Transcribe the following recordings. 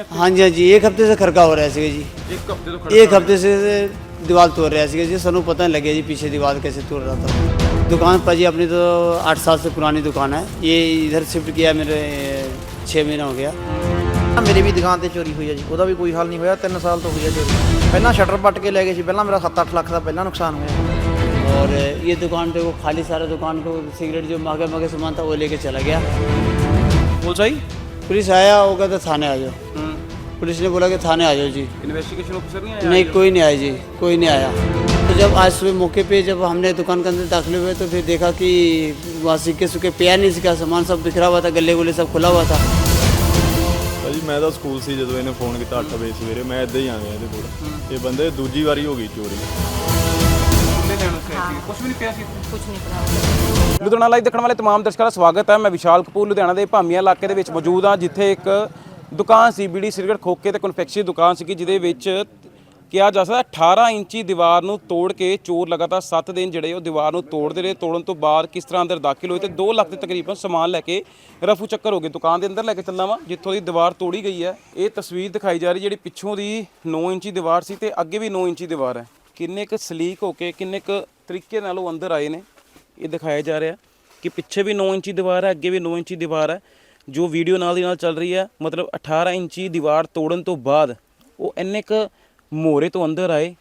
हैं? हाँ जी हाँ जी, एक हफ्ते से खड़का हो रहा है जी। एक हफ्ते तो खड़ा एक हफ्ते से दीवार तोड़ रहा है जी, सानू पता नहीं लगे जी पीछे दीवार कैसे तोड़ रहा था। दुकान पर जी अपनी तो 8 साल से पुरानी दुकान है, ये इधर शिफ्ट किया मेरे 6 महीना हो गया। मेरी भी दुकान ਤੇ ਚੋਰੀ ਹੋਈ ਹੈ ਜੀ, ਉਹਦਾ ਵੀ ਕੋਈ ਹੱਲ ਨਹੀਂ ਹੋਇਆ। 3 ਸਾਲ ਤੋਂ ਹੋਈ ਹੈ ਚੋਰੀ। ਪਹਿਲਾਂ ਸ਼ਟਰ ਪੱਟ ਕੇ ਲੈ ਗਏ ਸੀ, ਪਹਿਲਾਂ ਮੇਰਾ 7-8 ਲੱਖ ਦਾ ਪਹਿਲਾਂ ਨੁਕਸਾਨ ਹੋਇਆ। और ये दुकान पे वो खाली सारा दुकान को सिगरेट जो महंगे महंगे सामान था वो लेके चला गया। पुलिस आई? पुलिस आया, वो कहता थाने आ जाओ। पुलिस ने बोला कि थाने आ जाओ जी। इन्वेस्टिगेशन ऑफिसर नहीं आया? नहीं, कोई नहीं आया जी, कोई नहीं आया। तो जब आज सुबह मौके पे जब हमने दुकान के अंदर दाखिल हुए तो फिर देखा कि वहाँ सिक्के सुक्के पिया नहीं, सिक्का सामान सब बिखरा हुआ था, गले गुले सब खुला हुआ था। ਭਾਜੀ ਮੈਂ ਤਾਂ ਸਕੂਲ ਸੀ ਜਦੋਂ ਇਹਨੇ ਫੋਨ ਕੀਤਾ 8 ਵਜੇ ਸਵੇਰੇ, ਮੈਂ ਇੱਦਾਂ ਹੀ ਆ ਗਿਆ ਇਹਦੇ ਕੋਲ। ਇਹ ਬੰਦੇ ਦੂਜੀ ਵਾਰੀ ਹੋ ਗਈ ਚੋਰੀ। ਕੁਝ ਵੀ ਨਹੀਂ ਪਿਆ ਸੀ, ਕੁਝ ਨਹੀਂ ਪਿਆ। ਲੁਧਿਆਣਾ ਲਾਈਵ ਦੇਖਣ ਵਾਲੇ तमाम ਦਰਸ਼ਕਾਂ ਦਾ ਸਵਾਗਤ ਹੈ। ਮੈਂ ਵਿਸ਼ਾਲ ਕਪੂਰ ਲੁਧਿਆਣਾ ਦੇ ਭਾਮੀਆਂ ਇਲਾਕੇ ਦੇ ਵਿੱਚ ਮੌਜੂਦ ਹਾਂ, ਜਿੱਥੇ ਇੱਕ ਦੁਕਾਨ ਸੀ ਬੀੜੀ ਸਿਗਰਟ ਖੋਕੇ ਤੇ ਕਨਫੈਕਸ਼ਨਰੀ ਦੁਕਾਨ ਸੀ, ਜਿਹਦੇ ਵਿੱਚ ਕਿਹਾ ਜਾ ਸਕਦਾ 18 ਇੰਚੀ ਦੀਵਾਰ ਨੂੰ ਤੋੜ ਕੇ ਚੋਰ ਲਗਾਤਾਰ 7 ਦਿਨ ਜਿਹੜੇ ਉਹ ਦੀਵਾਰ ਨੂੰ ਤੋੜਦੇ ਰਹੇ। ਤੋੜਨ ਤੋਂ ਬਾਅਦ ਕਿਸ ਤਰ੍ਹਾਂ ਅੰਦਰ ਦਾਖਲ ਹੋਏ ਤੇ 2 ਲੱਖ ਦੇ ਤਕਰੀਬਨ ਸਮਾਨ ਲੈ ਕੇ ਰਫੂ ਚੱਕਰ ਹੋ ਗਏ। ਦੁਕਾਨ ਦੇ ਅੰਦਰ ਲੈ ਕੇ ਚੱਲਣਾ ਵਾ ਜਿੱਥੋਂ ਦੀ ਦੀਵਾਰ ਤੋੜੀ ਗਈ ਹੈ। ਇਹ ਤਸਵੀਰ ਦਿਖਾਈ ਜਾ ਰਹੀ ਜਿਹੜੀ ਪਿੱਛੋਂ ਦੀ 9 ਇੰਚੀ ਦੀਵਾਰ ਸੀ ਤੇ ਅੱਗੇ ਵੀ 9 ਇੰਚੀ ਦੀਵਾਰ ਹੈ। ਕਿੰਨੇ ਕੁ ਸਲੀਕ ਹੋ ਕੇ ਕਿੰਨੇ ਕੁ ਤਰੀਕੇ ਨਾਲ ਉਹ ਅੰਦਰ ਆਏ ਨੇ ਇਹ ਦਿਖਾਇਆ ਜਾ ਰਿਹਾ ਕਿ ਪਿੱਛੇ ਵੀ 9 ਇੰਚੀ ਦੀਵਾਰ ਹੈ, ਅੱਗੇ ਵੀ 9 ਇੰਚੀ ਦੀਵਾਰ ਹੈ। ਜੋ ਵੀਡੀਓ ਨਾਲ ਦੀ ਨਾਲ ਚੱਲ ਰਹੀ ਹੈ, ਮਤਲਬ 18 ਇੰਚੀ ਦੀਵਾਰ ਤੋੜਨ ਤੋਂ ਬਾਅਦ ਉਹ ਇੰਨੇ ਕੁ ਮੋਰੇ ਤੋਂ ਅੰਦਰ ਆਏ,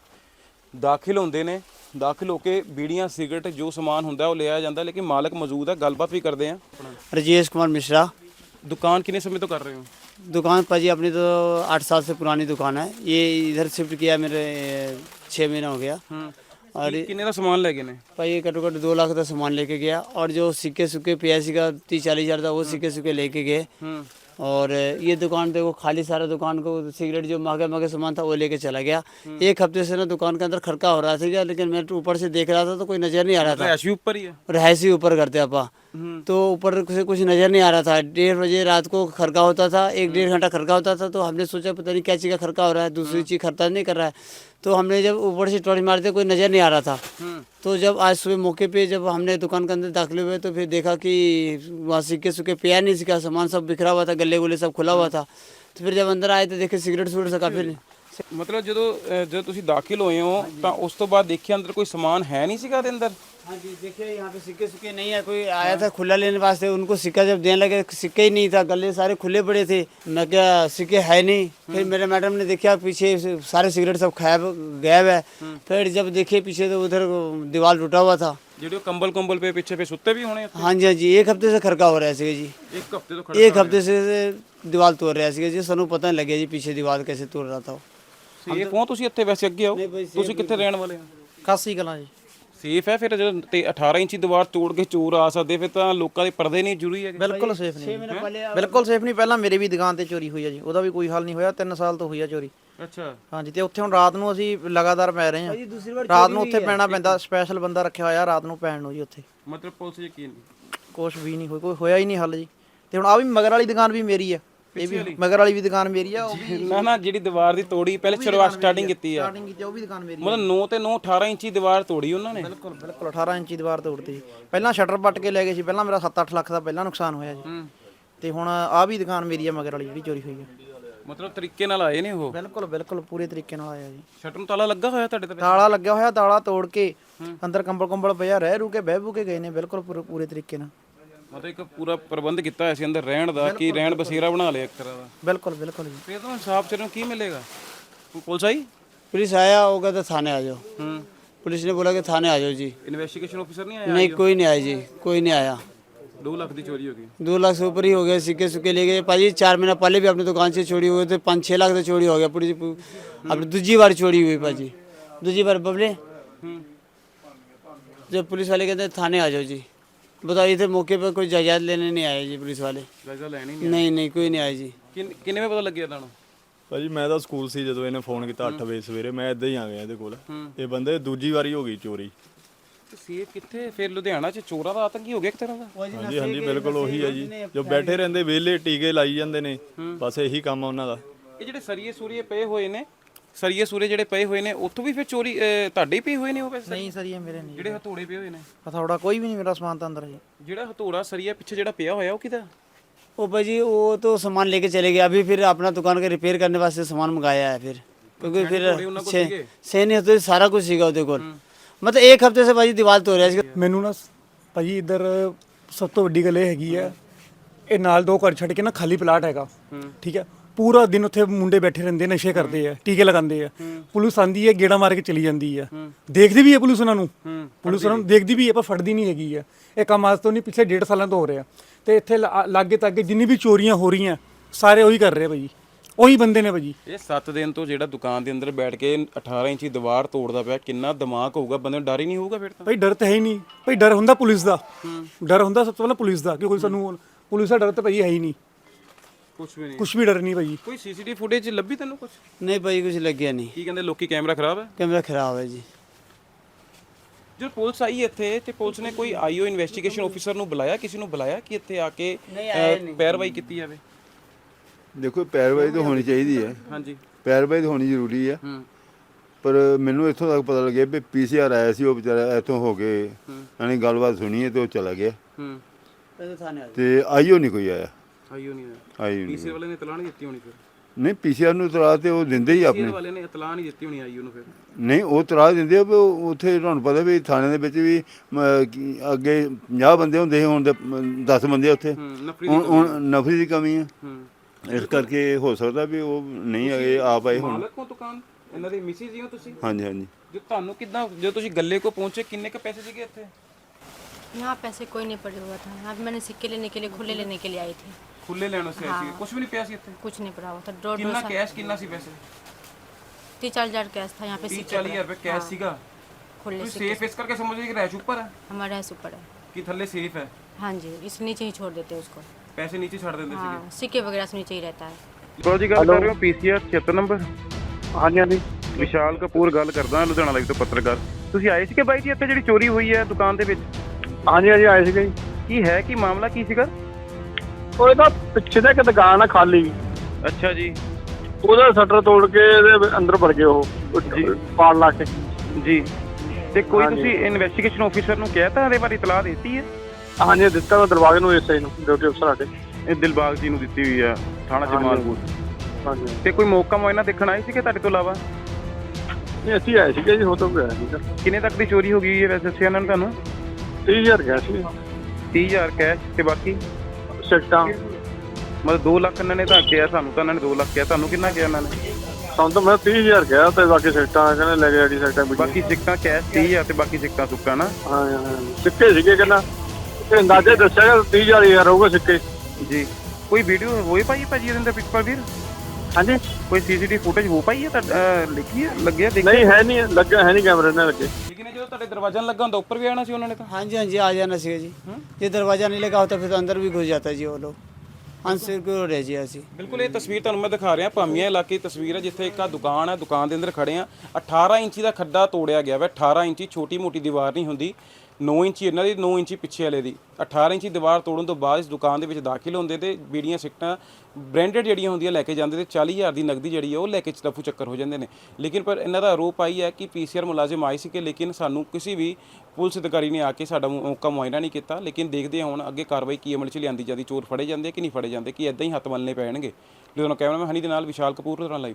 ਦਾਖਲ ਹੁੰਦੇ ਨੇ। ਦਾਖਲ ਹੋ ਕੇ ਬੀੜੀਆਂ ਸਿਗਰਟ ਜੋ ਸਮਾਨ ਹੁੰਦਾ ਉਹ ਲਿਆ ਜਾਂਦਾ, ਲੇਕਿਨ ਮਾਲਕ ਮੌਜੂਦ ਹੈ। ਗੱਲਬਾਤ ਵੀ ਕਰਦੇ ਆ। राजेश कुमार मिश्रा। दुकान कितने समय तो कर रहे हो? दुकान पर जी अपनी तो 8 साल से पुरानी दुकान है, ये इधर शिफ्ट किया मेरे 6 महीना हो गया। और कितने का सामान ले गए ने? भाई ये घट्टो घट्ट 2 लाख का सामान लेके गया, और जो सिक्के सुक्के पियासी का 30-40 हज़ार था वो सिक्के सुक्के लेके गए। और ये दुकान पे वो खाली सारा दुकान को सिगरेट जो महंगे महंगे सामान था वो लेके चला गया। एक हफ्ते से ना दुकान के अंदर खड़का हो रहा था, लेकिन मैं ऊपर से देख रहा था तो कोई नज़र नहीं आ रहा था। ऐसे ऊपर ही है, रहायशी ऊपर करते आपा, तो ऊपर से कुछ नज़र नहीं आ रहा था। 1:30 बजे रात को खड़का होता था, 1-1.5 घंटा खड़का होता था। तो हमने सोचा पता नहीं क्या चीज़ का खड़का हो रहा है, दूसरी चीज़ खड़का नहीं कर रहा है। तो हमने जब ऊपर से टॉर्च मारते कोई नज़र नहीं आ रहा था। तो जब आज सुबह मौके पे जब हमने दुकान के अंदर दाखिल हुए तो फिर देखा कि वहाँ सिक्के सुक्के पिया नहीं, सिक्का सामान सब बिखरा हुआ था, गले गुले सब खुला हुआ था। तो फिर जब अंदर आए तो देखे सिगरेट सुगरेट से काफ़ी। मतलब ਜਦੋਂ ਤੁਸੀਂ ਦਾਖਲ ਹੋਏ ਹੋ ਤਾਂ ਉਸ ਤੋਂ ਬਾਅਦ ਦੇਖਿਆ ਅੰਦਰ ਕੋਈ ਸਮਾਨ है नहीं ਸੀਗਾ ਦੇ ਅੰਦਰ? हाँ जी, देखिए यहाँ पे सिक्के सुक्के नहीं है। कोई आया था खुला लेने वास्ते, उनको सिक्का जब देने लगे सिक्के ही नहीं था, गले सारे खुले पड़े थे। मैं क्या सिक्के है नहीं। फिर मेरे मैडम ने देखा पीछे सारे सिगरेट सब गायब है। फिर जब देखे पीछे तो उधर दीवार टूटा हुआ था। ਜਿਹੜੇ ਕੰਬਲ ਕੰਬਲ पे पीछे पे सुते भी होने? हाँ जी हाँ जी, एक हफ्ते से खड़का हो रहा है जी। एक हफ्ते तो एक हफ्ते से दीवार तोड़ रहा है जी, सानू पता नहीं लगे जी पीछे दीवार कैसे तोड़ रहा था। ਇਹ ਕੌਣ ਤੁਸੀਂ ਇੱਥੇ ਵੈਸੇ ਅੱਗੇ ਆਓ, ਤੁਸੀਂ ਕਿੱਥੇ ਰਹਿਣ ਵਾਲੇ ਹੋ? ਕਾਸੀ ਕਲਾਂ ਜੀ। ਸੇਫ ਹੈ ਫਿਰ ਜਦੋਂ ਤੇ 18 ਇੰਚੀ ਦੀਵਾਰ ਤੋੜ ਕੇ ਚੋਰ ਆ ਸਕਦੇ, ਫਿਰ ਤਾਂ ਲੋਕਾਂ ਦੇ ਪਰਦੇ ਨਹੀਂ ਜ਼ਰੂਰੀ ਹੈਗੇ? ਬਿਲਕੁਲ ਸੇਫ ਨਹੀਂ, ਬਿਲਕੁਲ ਸੇਫ ਨਹੀਂ। ਪਹਿਲਾਂ ਮੇਰੀ ਵੀ ਦੁਕਾਨ ਤੇ ਚੋਰੀ ਹੋਈ ਹੈ ਜੀ, ਉਹਦਾ ਵੀ ਕੋਈ ਹੱਲ ਨਹੀਂ ਹੋਇਆ। 3 ਸਾਲ ਤੋਂ ਹੋਈ ਹੈ ਚੋਰੀ। ਅੱਛਾ। ਹਾਂਜੀ, ਤੇ ਉੱਥੇ ਹੁਣ ਰਾਤ ਨੂੰ ਅਸੀਂ ਲਗਾਤਾਰ ਪੈ ਰਹੇ ਹਾਂ। ਰਾਤ ਨੂੰ ਉੱਥੇ ਪੈਣਾ ਪੈਂਦਾ, ਸਪੈਸ਼ਲ ਬੰਦਾ ਰੱਖਿਆ ਹੋਇਆ ਰਾਤ ਨੂੰ ਪੈਣ ਨੂੰ ਜੀ ਉੱਥੇ। ਮਤਲਬ ਪੁਲਿਸ ਯਕੀਨ ਨਹੀਂ? ਕੁਛ ਵੀ ਨਹੀਂ ਕੋਈ ਹੋਇਆ ਹੀ ਨਹੀਂ ਹੱਲ ਜੀ। ਤੇ ਹੁਣ ਆ ਵੀ ਮਗਰ ਵਾਲੀ ਦੁਕਾਨ ਵੀ ਮੇਰੀ ਆ, ਇਹ ਵੀ ਮਗਰ ਵਾਲੀ ਵੀ ਦੁਕਾਨ ਮੇਰੀ ਆ। ਉਹ ਵੀ ਨਾ ਜਿਹੜੀ ਦੀਵਾਰ ਦੀ ਤੋੜੀ ਪਹਿਲੇ ਸ਼ੁਰੂਆਤ ਸਟਾਰਟਿੰਗ ਕੀਤੀ ਆ, ਸਟਾਰਟਿੰਗ ਕੀਤੀ, ਉਹ ਵੀ ਦੁਕਾਨ ਮੇਰੀ। ਮਤਲਬ 9 ਤੇ 9 18 ਇੰਚੀ ਦੀਵਾਰ ਤੋੜੀ ਉਹਨਾਂ ਨੇ? ਬਿਲਕੁਲ ਬਿਲਕੁਲ 18 ਇੰਚੀ ਦੀਵਾਰ ਤੋੜਤੀ ਜੀ। ਪਹਿਲਾਂ ਸ਼ਟਰ ਪੱਟ ਕੇ ਲੈ ਗਏ ਸੀ, ਪਹਿਲਾਂ ਮੇਰਾ 7-8 ਲੱਖ ਦਾ ਪਹਿਲਾਂ ਨੁਕਸਾਨ ਹੋਇਆ ਜੀ। ਤੇ ਹੁਣ ਆ ਵੀ ਦੁਕਾਨ ਮੇਰੀ ਆ ਮਗਰ ਵਾਲੀ ਜਿਹੜੀ ਚੋਰੀ ਹੋਈ ਹੈ। ਮਤਲਬ ਤਰੀਕੇ ਨਾਲ ਆਏ ਨੇ ਉਹ? ਬਿਲਕੁਲ ਬਿਲਕੁਲ ਪੂਰੇ ਤਰੀਕੇ ਨਾਲ ਆਇਆ ਜੀ। ਸ਼ਟਰ ਨੂੰ ਤਾਲਾ ਲੱਗਾ ਹੋਇਆ ਤੁਹਾਡੇ ਤੇ? ਤਾਲਾ ਲੱਗਿਆ ਹੋਇਆ, ਤਾਲਾ ਤੋੜ ਕੇ ਅੰਦਰ ਕੰਬਲ ਕੰਬਲ ਪਿਆ, ਰਹਿ ਰੂ ਕੇ ਬਹਿ ਬੂ ਕੇ ਗਏ ਨੇ। ਬਿਲਕੁਲ ਪੂਰੇ ਤਰੀਕੇ ਨਾਲ ਮਤਲਬ ਇੱਕ ਪੂਰਾ ਪ੍ਰਬੰਧ ਕੀਤਾ ਹੋਇਆ ਸੀ ਅੰਦਰ ਰਹਿਣ ਦਾ, ਕਿ ਰਹਿਣ ਬਸੇਰਾ ਬਣਾ ਲਿਆ ਇੱਕ ਤਰ੍ਹਾਂ ਦਾ। ਬਿਲਕੁਲ ਬਿਲकुल ਜੀ। ਫਿਰ ਤਾਂ ਇਨਸਾਫ ਸਿਰ ਨੂੰ ਕੀ ਮਿਲੇਗਾ? ਪੁਲਿਸ ਆਈ? पुलिस आया, वो कहता थाने आ जाओ। पुलिस ने बोला कि थाने आ जाओ जी। इन्वेस्टिगेशन ऑफिसर नहीं आया? नहीं, कोई नहीं आया जी, कोई नहीं आया। 2 लाख की चोरी हो गई। 2 लाख से ऊपर ही हो गया। सिक्के सुक्के ले गए पाजी। 4 महीना पहले भी अपनी दुकान से चोरी हुए थे, 5-6 लाख से चोरी हो गया पूरी। अब दूसरी बार चोरी हुई पाजी, दूसरी बार बबले। जब पुलिस वाले कहते थाने आ जाओ जी, बताओ इधर मौके पर कोई जायदाद लेने नहीं आए जी पुलिस वाले? जायजा लेनी नहीं कोई नहीं आए जी। ਕਿੰਨੇ ਵੇ ਪਤਾ ਲੱਗਿਆ ਤੁਹਾਨੂੰ? ਭਾਜੀ ਮੈਂ ਤਾਂ ਸਕੂਲ ਸੀ ਜਦੋਂ ਇਹਨੇ ਫੋਨ ਕੀਤਾ 8 ਵਜੇ ਸਵੇਰੇ, ਮੈਂ ਇੱਦਾਂ ਹੀ ਆ ਗਿਆ ਇਹਦੇ ਕੋਲ। ਇਹ ਬੰਦੇ ਦੂਜੀ ਵਾਰੀ ਹੋ ਗਈ ਚੋਰੀ। ਸੇਫ ਕਿੱਥੇ ਫਿਰ? ਲੁਧਿਆਣਾ 'ਚ ਚੋਰਾਂ ਦਾ ਆਤੰਕ ਹੀ ਹੋ ਗਿਆ ਇੱਕ ਤਰ੍ਹਾਂ ਦਾ। ਹਾਂਜੀ ਹਾਂਜੀ ਬਿਲਕੁਲ ਉਹੀ ਹੈ ਜੀ, ਜੋ ਬੈਠੇ ਰਹਿੰਦੇ ਵਿਹਲੇ ਟੀਕੇ ਲਾਈ ਜਾਂਦੇ ਨੇ, ਬਸ ਇਹੀ ਕੰਮ ਆ ਉਹਨਾਂ ਦਾ। ਇਹ ਜਿਹੜੇ ਸਰੀਏ ਸੂਰੀਏ ਪਏ ਹੋਏ ਨੇ, ਸਰੀਏ ਸੂਰੇ ਜਿਹੜੇ ਪਏ ਹੋਏ ਨੇ ਉੱਥੋਂ ਵੀ ਫਿਰ ਚੋਰੀ ਤੁਹਾਡੇ ਹੀ ਪਏ ਹੋਏ ਨੇ ਉਹ? ਵੈਸੇ ਨਹੀਂ ਸਰ, ਇਹ ਮੇਰੇ ਨਹੀਂ। ਜਿਹੜੇ ਹਥੌੜੇ ਪਏ ਹੋਏ ਨੇ? ਹਥੌੜਾ ਕੋਈ ਵੀ ਨਹੀਂ ਮੇਰਾ ਸਮਾਨ ਤਾਂ ਅੰਦਰ ਜੀ। ਜਿਹੜਾ ਹਥੌੜਾ ਸਰੀਆ ਪਿੱਛੇ ਜਿਹੜਾ ਪਿਆ ਹੋਇਆ ਉਹ ਕਿਹਦਾ? वो भाजी वो तो सामान लेके चले गए, अभी फिर अपना दुकान का रिपेयर करने वास्ते सामान मंगाया है फिर, क्योंकि फिर सही नहीं होते सारा कुछ सीखा ਉਹਦੇ ਕੋਲ, मतलब एक हफ्ते से भाजी दीवार तोड़ रहा है। ਮੈਨੂੰ ਨਾ ਭਾਜੀ ਇੱਧਰ ਸਭ ਤੋਂ ਵੱਡੀ ਗੱਲ ਇਹ ਹੈਗੀ ਹੈ, ਇਹ ਨਾਲ 2 ਘਰ ਛੱਡ ਕੇ ਨਾ ਖਾਲੀ ਪਲਾਟ ਹੈਗਾ, ਠੀਕ ਹੈ। ਪੂਰਾ ਦਿਨ ਉੱਥੇ ਮੁੰਡੇ ਬੈਠੇ ਰਹਿੰਦੇ, ਨਸ਼ੇ ਕਰਦੇ ਆ, ਟੀਕੇ ਲਗਾਉਂਦੇ ਆ। ਪੁਲਿਸ ਆਂਦੀ ਹੈ, ਗੇੜਾ ਮਾਰ ਕੇ ਚਲੀ ਜਾਂਦੀ ਹੈ, ਦੇਖਦੀ ਵੀ ਹੈ ਪੁਲਿਸ ਉਹਨਾਂ ਨੂੰ, ਪੁਲਿਸ ਉਹਨਾਂ ਨੂੰ ਦੇਖਦੀ ਵੀ ਹੈ, ਪਰ ਫੜਦੀ ਨਹੀਂ ਹੈਗੀ ਹੈ। ਇਹ ਕੰਮ ਅੱਜ ਤੋਂ ਨਹੀਂ, ਪਿਛਲੇ 1.5 ਸਾਲਾਂ ਤੋਂ ਹੋ ਰਿਹਾ। ਤੇ ਇੱਥੇ ਲਾਗੇ ਤਾਗੇ ਜਿੰਨੀ ਵੀ ਚੋਰੀਆਂ ਹੋ ਰਹੀਆਂ ਸਾਰੇ ਉਹੀ ਕਰ ਰਹੇ ਭਾਜੀ, ਉਹੀ ਬੰਦੇ ਨੇ ਭਾਜੀ। ਇਹ 7 ਦਿਨ ਤੋਂ ਜਿਹੜਾ ਦੁਕਾਨ ਦੇ ਅੰਦਰ ਬੈਠ ਕੇ 18 ਇੰਚੀ ਦੀਵਾਰ ਤੋੜਦਾ ਪਿਆ, ਕਿੰਨਾ ਦਿਮਾਗ ਹੋਊਗਾ ਬੰਦੇ ਨੂੰ, ਡਰ ਹੀ ਨਹੀਂ ਹੋਊਗਾ ਫਿਰ ਤਾਂ। ਭਾਈ ਡਰ ਤਾਂ ਹੈ ਹੀ ਨਹੀਂ ਭਾਈ, ਡਰ ਹੁੰਦਾ ਪੁਲਿਸ ਦਾ, ਡਰ ਹੁੰਦਾ ਸਭ ਤੋਂ ਪਹਿਲਾਂ ਪੁਲਿਸ ਦਾ, ਕਿ ਕੋਈ ਸਾਨੂੰ ਪੁਲਿਸ ਦਾ ਡਰ ਤਾਂ ਭਾਈ ਹੈ ਹੀ ਨਹੀਂ, ਕੁਝ ਵੀ ਨਹੀਂ, ਕੁਝ ਵੀ ਡਰ ਨਹੀਂ ਭਾਜੀ। ਕੋਈ ਸੀਸੀਟੀਵੀ ਫੁਟੇਜ ਲੱਭੀ ਤੈਨੂੰ ਕੁਝ? नहीं भाई कुछ लग गया नहीं, ਕੀ ਕਹਿੰਦੇ ਲੋਕੀ, ਕੈਮਰਾ ਖਰਾਬ ਹੈ? कैमरा खराब है जी। ਜਦੋਂ ਪੁਲਿਸ ਆਈ ਇੱਥੇ ਤੇ ਪੁਲਿਸ ਨੇ ਕੋਈ ਆਈਓ ਇਨਵੈਸਟੀਗੇਸ਼ਨ ਆਫੀਸਰ ਨੂੰ ਬੁਲਾਇਆ, ਕਿਸੇ ਨੂੰ ਬੁਲਾਇਆ ਕਿ ਇੱਥੇ ਆ ਕੇ ਪੈਰਵਾਈ ਕੀਤੀ ਜਾਵੇ? ਦੇਖੋ ਪੈਰਵਾਈ ਤਾਂ ਹੋਣੀ ਚਾਹੀਦੀ ਹੈ, ਹਾਂਜੀ। ਪੈਰਵਾਈ ਤਾਂ ਹੋਣੀ ਜ਼ਰੂਰੀ ਹੈ, ਪਰ ਮੈਨੂੰ ਇੱਥੋਂ ਤੱਕ ਪਤਾ ਲੱਗਿਆ ਵੀ ਪੀਸੀਆਰ ਆਇਆ ਸੀ, ਉਹ ਵਿਚਾਰਾ ਇੱਥੋਂ ਹੋ ਕੇ ਯਾਨੀ ਗੱਲਬਾਤ ਸੁਣੀ ਹੈ ਤੇ ਉਹ ਚਲਾ ਗਿਆ, ਤੇ ਆਈਓ ਨਹੀਂ ਕੋਈ ਆਇਆ, ਆਈਓ ਨਹੀਂ ਆਇਆ, ਆਈਓ ਨਹੀਂ। ਪੀਸੀਆਰ ਵਾਲੇ ਨੇ ਇਤਲਾਹ ਨਹੀਂ ਦਿੱਤੀ ਹੋਣੀ ਫਿਰ? ਨਹੀਂ ਪੀਸੀਆਰ ਨੂੰ ਤਰਾ ਤੇ ਉਹ ਦਿੰਦੇ ਹੀ ਆਪਣੇ, ਪੀਸੀਆਰ ਵਾਲੇ ਨੇ ਇਤਲਾਹ ਨਹੀਂ ਦਿੱਤੀ ਹੋਣੀ ਆਈਓ ਨੂੰ ਫਿਰ? ਨਹੀਂ ਉਹ ਤਰਾ ਦਿੰਦੇ ਆ ਵੀ ਉੱਥੇ ਤੁਹਾਨੂੰ ਪਤਾ ਵੀ ਥਾਣੇ ਦੇ ਵਿੱਚ ਵੀ ਅੱਗੇ 50 ਬੰਦੇ ਹੁੰਦੇ ਸੀ, ਹੁਣ 10 ਬੰਦੇ ਉੱਥੇ, ਹੁਣ ਨਫਰੀ ਦੀ ਕਮੀ ਹੈ, ਇਸ ਕਰਕੇ ਹੋ ਸਕਦਾ ਵੀ ਉਹ ਨਹੀਂ ਆਏ, ਆਪ ਆਏ ਹੁਣ। ਮਾਲਕ ਕੋ ਦੁਕਾਨ ਇਹਨਾਂ ਦੇ ਮਿਸਿਸ ਹੀ ਹੋ ਤੁਸੀਂ? ਹਾਂਜੀ ਹਾਂਜੀ। ਜੋ ਤੁਹਾਨੂੰ ਕਿਦਾਂ, ਜਦੋਂ ਤੁਸੀਂ ਗੱਲੇ ਕੋ ਪਹੁੰਚੇ ਕਿੰਨੇ ਕ ਪੈਸੇ ਸੀਗੇ ਇੱਥੇ? यहाँ पैसे कोई नहीं पड़ा हुआ था, यहाँ पे मैंने सिक्के लेने के लिए, खुले लेने के लिए आई थी, ਖੁੱਲੇ ਲੈਣ ਵਾਸਤੇ ਆਏ ਸੀਗੇ, ਕੁਝ ਵੀ ਨਹੀਂ ਪਿਆ ਸੀ ਇੱਥੇ? कुछ नहीं पड़ा हुआ था। 1.5 ਕਿੰਨਾ ਕੈਸ਼, ਕਿੰਨਾ ਸੀ ਪੈਸੇ? 30-40 हज़ार कैश था यहाँ पे, 30-40 ਹਜ਼ਾਰ ਰੁਪਏ ਕੈਸ਼ ਸੀਗਾ। खुले ਤੁਸੀਂ सिक्के ਸੇਫ ਇਸ ਕਰਕੇ ਸਮਝ ਲਈ ਕਿ ਰੈਸ਼ ਉੱਪਰ ਹੈ हमारे यहाँ से ऊपर है। ਕਿ ਥੱਲੇ ਸੇਫ ਹੈ? हाँ जी, इस नीचे ही छोड़ देते हैं उसको। ਪੈਸੇ ਨੀਚੇ ਛੱਡ ਦਿੰਦੇ ਸੀਗੇ। हाँ, सिक्के वगैरह से नीचे ही रहता है। ਕੋਲ ਜੀ ਗੱਲ ਕਰ ਰਹੇ ਹੋ ਪੀਸੀਆਰ 76 ਨੰਬਰ? ਹਾਂਜੀ ਹਾਂਜੀ ਵਿਸ਼ਾਲ ਕਪੂਰ ਗੱਲ ਕਰਦਾ, ਲੁਧਿਆਣਾ ਲਾਈਵ ਤੋਂ ਪੱਤਰਕਾਰ। ਤੁਸੀਂ ਆਏ ਸੀ ਕਿ ਬਾਈ ਜੀ ਇੱਥੇ ਜਿਹੜੀ ਚੋਰੀ ਹੋਈ ਹੈ ਦੁਕਾਨ ਦੇ ਵਿੱਚ? ਹਾਂਜੀ ਹਾਂਜੀ ਆਏ ਸੀਗੇ ਜੀ। ਕੀ ਹੈ, ਕੀ ਮਾਮਲਾ ਕੀ ਸੀਗਾ? ਉਹ ਇਹਦਾ ਪਿੱਛੇ ਦਾ ਇੱਕ ਦੁਕਾਨ ਆ ਖਾਲੀ, ਅੱਛਾ ਜੀ ਉਹਦਾ ਸ਼ਟਰ ਤੋੜ ਕੇ ਇਹਦੇ ਅੰਦਰ ਵੜ ਗਏ ਉਹ ਪਾੜ ਲਾ ਕੇ ਜੀ। ਤੇ ਕੋਈ ਹਾਂਜੀ। ਤੁਸੀਂ ਇਨਵੈਸਟੀਗੇਸ਼ਨ ਆਫੀਸਰ ਨੂੰ ਕਹਿਤਾ ਇਹਦੇ ਬਾਰੇ ਇਤਲਾਹ ਦਿੱਤੀ ਹੈ? ਹਾਂਜੀ ਦਿੱਤਾ ਮੈਂ ਦਰਵਾਜ਼ੇ ਨੂੰ ਐਸਆਈ ਨੂੰ, ਡਿਊਟੀ ਅਫਸਰ ਸਾਡੇ। ਇਹ ਦਿਲਬਾਗ ਜੀ ਨੂੰ ਦਿੱਤੀ ਹੋਈ ਹੈ, ਥਾਣਾ ਜਮਾਲਪੁਰ। ਹਾਂਜੀ ਤੇ ਕੋਈ ਮੌਕਾ ਮੁਆਇਨਾ ਦੇਖਣ ਆਏ ਸੀ ਕਿ ਤੁਹਾਡੇ ਤੋਂ ਇਲਾਵਾ? ਨਹੀਂ ਅਸੀਂ ਆਏ ਸੀਗੇ ਜੀ, ਹੋ ਤਾਂ ਗਿਆ ਸੀਗਾ। ਕਿੰਨੇ ਤੱਕ ਦੀ ਚੋਰੀ ਹੋ ਗਈ ਹੈ ਵੈਸੇ ਦੱਸਿਆ ਇਹਨਾਂ ਨੇ ਤੁਹਾਨੂੰ? 30,000 ਗਿਆ ਸੀ 30,000 ਕੈਸ਼ ਤੇ ਬਾਕੀ ਸਿੱਟਾਂ। ਮਤਲਬ 2 ਲੱਖ ਇਹਨਾਂ ਨੇ ਤਾਂ ਕਿਹਾ ਸਾਨੂੰ, ਤਾਂ ਇਹਨਾਂ ਨੇ 2 ਲੱਖ ਕਿਹਾ, ਤੁਹਾਨੂੰ ਕਿੰਨਾ ਕਿਹਾ ਇਹਨਾਂ ਨੇ? ਸਾਨੂੰ ਤਾਂ ਮੈਂ 30,000 ਗਿਆ ਤੇ ਬਾਕੀ ਸਿੱਟਾਂ ਕਹਿੰਦੇ ਲੈ ਗਏ, ਸਿੱਟਾਂ ਵੀ। ਬਾਕੀ ਸਿੱਕਾਂ ਕੈਸ਼ 30,000 ਤੇ ਬਾਕੀ ਸਿੱਕਾਂ ਸੁੱਕਾ ਨਾ? ਹਾਂ ਹਾਂ ਸਿੱਕੇ ਸੀਗੇ, ਕਹਿੰਦਾ ਤੇ ਅੰਦਾਜ਼ੇ ਦੱਸਿਆ ਕਿ 30,000 ਹੋਊਗਾ ਸਿੱਕੇ ਜੀ। ਕੋਈ ਵੀਡੀਓ ਹੋਈ ਪਾਈ ਭਾਜੀ ਇਹਦੇ ਅੰਦਰ ਪਿੱਛੇ ਵੀਰ? ਹਾਂਜੀ ਕੋਈ ਸੀਸੀਟੀਵੀ ਫੁਟੇਜ ਹੋ ਪਾਈ ਹੈ ਤਾਂ ਲਿਖੀ ਹੈ, ਲੱਗਿਆ ਦੇਖਿਆ? ਨਹੀਂ ਹੈ ਨਹੀਂ ਲੱਗਾ, ਹੈ ਨਹੀਂ ਕੈਮਰੇ ਨਾਲ ਲੱਗੇ। ਲੇਕਿਨ ਜਦੋਂ ਤੁਹਾਡੇ ਦਰਵਾਜ਼ਾ ਲੱਗਾ ਹੁੰਦਾ ਉੱਪਰ ਵੀ ਆਣਾ ਸੀ ਉਹਨਾਂ ਨੇ ਤਾਂ? हाँ जी हाँ जी, आ जाना चाहिए जी। ये दरवाज़ा नहीं लगा होता फिर तो अंदर भी घुस जाता जी वो लोग, अनसिक्योर रह जी ऐसी। ਬਿਲਕੁਲ ਇਹ ਤਸਵੀਰ ਤੁਹਾਨੂੰ ਮੈਂ ਦਿਖਾ ਰਿਹਾ, ਭਾਮੀਆਂ ਇਲਾਕੇ ਦੀ ਤਸਵੀਰ ਹੈ, ਜਿੱਥੇ ਇੱਕ ਆ ਦੁਕਾਨ ਹੈ, ਦੁਕਾਨ ਦੇ ਅੰਦਰ ਖੜੇ ਆ। 18 ਇੰਚੀ ਦਾ ਖੱਡਾ ਤੋੜਿਆ ਗਿਆ ਵਾ। 18 ਇੰਚੀ ਛੋਟੀ ਮੋਟੀ ਦੀਵਾਰ ਨਹੀਂ ਹੁੰਦੀ, 9 ਇੰਚੀ ਇਹਨਾਂ ਦੀ, 9 ਇੰਚੀ ਪਿੱਛੇ ਵਾਲੇ ਦੀ। 18 ਇੰਚੀ ਦੀਵਾਰ ਤੋੜਨ ਤੋਂ ਬਾਅਦ ਇਸ ਦੁਕਾਨ ਦੇ ਵਿੱਚ ਦਾਖਲ ਹੁੰਦੇ ਤੇ ਬੀੜੀਆਂ ਸਿਗਰਟਾਂ ਬ੍ਰਾਂਡਡ ਜਿਹੜੀਆਂ ਹੁੰਦੀਆਂ ਲੈ ਕੇ ਜਾਂਦੇ ਤੇ 40,000 ਦੀ ਨਗਦੀ ਜਿਹੜੀ ਹੈ ਉਹ ਲੈ ਕੇ ਚਲਫੂ ਚੱਕਰ ਹੋ ਜਾਂਦੇ ਨੇ। ਲੇਕਿਨ ਪਰ ਇਹਨਾਂ ਦਾ ਆਰੋਪ ਆਈ ਹੈ ਕਿ ਪੀਸੀਆਰ ਮੁਲਾਜ਼ਮ ਆਏ ਸੀ ਕਿ ਲੇਕਿਨ ਸਾਨੂੰ ਕਿਸੇ ਵੀ ਪੁਲਿਸ ਅਧਿਕਾਰੀ ਨੇ ਆ ਕੇ ਸਾਡਾ ਮੌਕਾ ਮੁਆਇਨਾ ਨਹੀਂ ਕੀਤਾ। ਲੇਕਿਨ ਦੇਖਦੇ ਹਾਂ ਹੁਣ ਅੱਗੇ ਕਾਰਵਾਈ ਕੀ ਅਮਲ 'ਚ ਲਿਆਂਦੀ ਜਾਂਦੀ, ਚੋਰ ਫੜੇ ਜਾਂਦੇ ਕਿ ਨਹੀਂ ਫੜੇ ਜਾਂਦੇ, ਕਿ ਇਦਾਂ ਹੀ ਹੱਥ ਮਲਣੇ ਪੈਣਗੇ। ਲੁਧਿਆਣਾ ਕੈਮਰਾਮੈਨ ਹਨੀ ਦੇ ਨਾਲ ਵਿਸ਼ਾਲ ਕਪੂਰ, ਲੁਧਿਆਣਾ ਲਾਈਵ।